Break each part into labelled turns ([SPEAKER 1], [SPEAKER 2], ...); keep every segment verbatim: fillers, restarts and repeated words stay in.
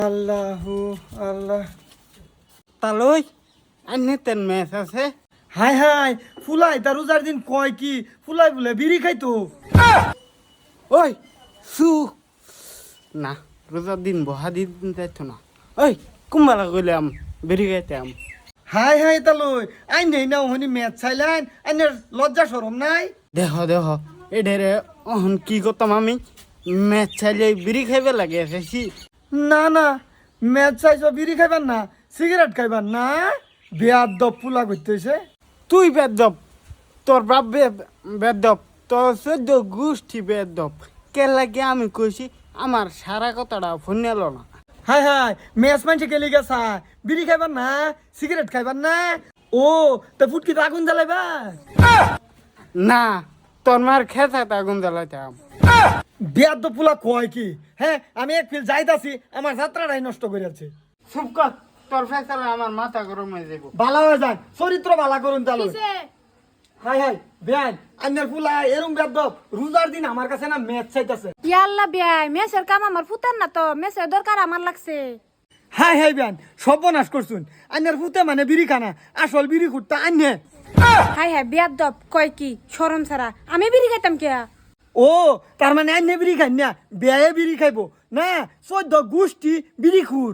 [SPEAKER 1] আল্লাহু আল্লাহ
[SPEAKER 2] তালই আইনে তেন ম্যাচ আছে।
[SPEAKER 1] হাই হাই ফুলাই তার রোজার দিন কয় কি ফুলাই বলে বিড়ি খাইতো।
[SPEAKER 2] ওই সু না রোজার দিন বহা দিন যাইতো না। ওই কুম্বালা কইলাম বেরি গাইতাম।
[SPEAKER 1] হাই হাই তালই আইন নেই না ওহনি ম্যাচ চাইলেন আইনের লজ্জা শরম নাই।
[SPEAKER 2] দেহ দেহ এ ঢেরে অহন কি করতাম আমি ম্যাচ চাইলে বিড়ি খাইবে লাগে এসেছি।
[SPEAKER 1] না না ম্যাচ চাইছ বিড়ি খাইবার না সিগারেট খাইবার না বেয়ার দপ ফুলা করতেছে।
[SPEAKER 2] তুই বেদব তোর বাপ বেদব তোর চোদ্দ গোষ্ঠী বেদব কে লাগে আমি কইছি আমার সারা কথাটা ফোন এলো না।
[SPEAKER 1] হাই হাই ম্যাচ মানছে গেলি গেছা বিড়ি খাইবার না সিগারেট খাইবার না ও তা ফুটকি আগুন জ্বালাইবা
[SPEAKER 2] না তোর মার খেতে আগুন জ্বালাইতাম।
[SPEAKER 1] বেয়ার দপ ফুলা কয় কি হ্যাঁ আমি এক ফিল যাইতাছি আমার যাত্রাটাই নষ্ট করে আছে।
[SPEAKER 2] চুপ কর তোর ফেসালে আমার মাথা গরম হয়ে যাবো।
[SPEAKER 1] ভালো হয়ে যান চরিত্র ভালো করুন তাহলে। হাই হাই বেআইন আন্নার ফুলা এরম বেদব রোজার দিন আমার কাছে না ম্যাচ চাইতাছে।
[SPEAKER 3] ইয়াল্লা বিয়াই মেসের কাম আমার ফুতার না তো মেসের দরকার আমার লাগছে।
[SPEAKER 1] হাই হাই বেআইন সর্বনাশ করছুন আন্নার ফুতে মানে বিড়ি খানা আসল বিড়ি খুঁড়তা আন্নে।
[SPEAKER 3] হাই হাই বিয়ার দপ কয় কি শরম ছাড়া আমি বিড়ি খাইতাম কে।
[SPEAKER 1] ও তার মানে আন্নে বিড়ি খাই না বেয়ে বিড়ি খাইবো না চোদ্দ গোষ্ঠী বিড়ি খুর।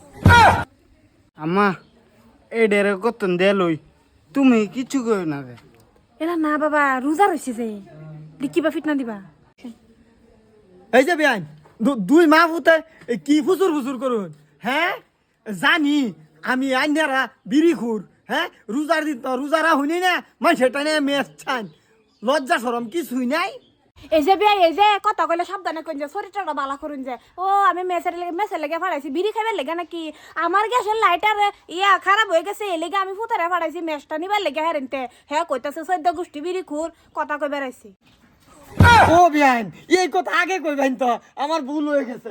[SPEAKER 2] আমা এই ডেরে কতন দেলই তুমি কিছু কই না রে।
[SPEAKER 3] এলা না বাবা রোজা রইছে যে কিবা ফিট না দিবা।
[SPEAKER 1] এই যে বেআইন দুই মা ফুতে কি ফুচুর ফুচুর করুন হ্যাঁ জানি আমি আন্নারা বিড়ি খুর হ্যাঁ রোজার দিন তো রোজারা হইনি না মানে সেটা নিয়ে ম্যাচ ছান লজ্জা সরম কিছুই নাই।
[SPEAKER 3] এই যে বিয়াই এই যে কথা কইলে সাবধানে কইন যে শরীরটা বালা করুন যে ও আমি মেসের লেগে মেসের লেগে ফাড়াইছি বিড়ি খাইবার লেগে নাকি আমার গ্যাসের লাইটার ইয়া খারাপ হয়ে গেছে এই লেগে আমি ফুতারে ফাড়াইছি মেসটা নিবার লেগে হেরেনতে হ্যাঁ কইতাছে চৈদ্দ গোষ্ঠী বিড়ি খুর কথা কই বেড়াইছি।
[SPEAKER 1] ও বিয়াইন এই কথা আগে কইবেন তো আমার ভুল হয়ে গেছে।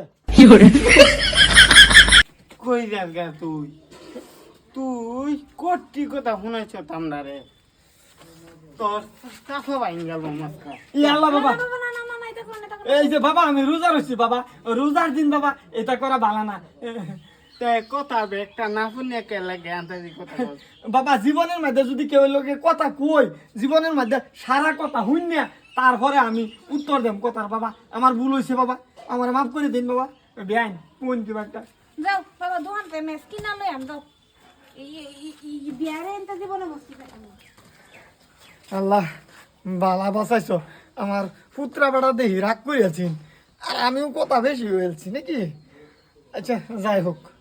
[SPEAKER 2] কই যাস গা তুই তুই কোটি কথা শুনাইছ আমরা রে তোর কাফা বাইন গেল মাস্কা।
[SPEAKER 1] ইয়াল্লা বাবা
[SPEAKER 3] না না না না এটা কোন এটা
[SPEAKER 1] এই যে বাবা আমি রোজা রইছি বাবা রোজার দিন বাবা এটা করা ভালো না।
[SPEAKER 2] তে কথা বে একটা না শুনে কে লাগে আন্তাজি কথা বল।
[SPEAKER 1] বাবা জীবনের মধ্যে যদি কেউ লোকে কথা কই জীবনের মধ্যে সারা কথা শুন না তারপরে আমি উত্তর দেব কথার বাবা আমার ভুল হয়েছে বাবা আমার মাফ করে দিন বাবা বেআইন কোন কি একটা
[SPEAKER 3] যাও বাবা দোকানতে মেস কিনা লই আম যাও এই এই বিয়ারে এনতা জীবনে বসতি খাইতাম না।
[SPEAKER 1] আল্লাহ বালা বাঁচাইছো আমার পুত্রা বেড়া দেহি রাগ করিয়াছেন আর আমিও কথা বেশি হয়েছি নাকি। আচ্ছা যাই হোক।